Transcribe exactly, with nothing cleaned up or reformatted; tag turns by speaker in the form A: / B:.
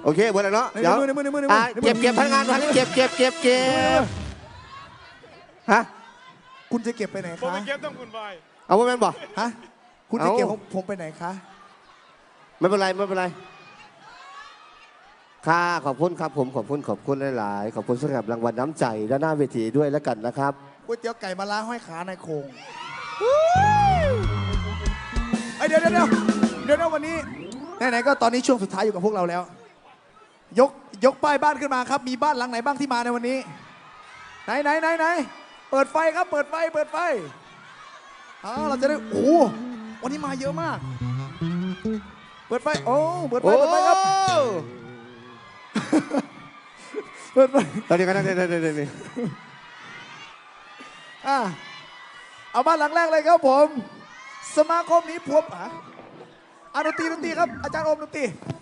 A: โอเคหมดแล้วเนาะเดี๋ยว
B: ในมือในมือในมือ
A: อ่ะเก็บเก็บพนักงานมาเก็บเก็บเก็บเก็บฮะ
B: คุณจะเก็บไปไหน
C: ผม
B: คะ
C: ไปเก็บต้องคุณไป
A: เอาว่าแม่นบอก
B: ฮะคุณจะเก็บของผมไปไหนคะ
A: ไม่เป็นไรไม่เป็นไรค่ะขอบคุณครับผมขอบคุณขอบคุณหลายๆขอบคุณสำหรับรางวัลน้ำใจด้านหน้าเวทีด้วยแล้วกันนะครับ
B: ก๋วยเตี๋ยวไก่มาล้าห้อยขาในโครงไอเดี๋ยวเดี๋ยวเดี๋ยวเดี๋ยววันนี้ไหนๆก็ตอนนี้ช่วงสุดท้ายอยู่กับพวกเราแล้ว ยกยกป้ายบ้านขึ้นมาครับมีบ้านหลังไหนบ้างที่มาในวันนี้ไหนไหนไหนไหนเปิดไฟครับเปิดไฟเปิดไฟอ๋อเราจะได้โอ้วันนี้มาเยอะมากเปิดไฟโอ้เปิดไฟเปิดไฟครับเปิดไฟ
A: ตอนนี้ก็ได้ได้ได้ได้
B: อ่ะเอาบ้านหลังแรกเลยครับผมสมาคมนี้พวบอ่ะอ่ะดนตรีดนตรีครับอาจารย์โอมดนตรี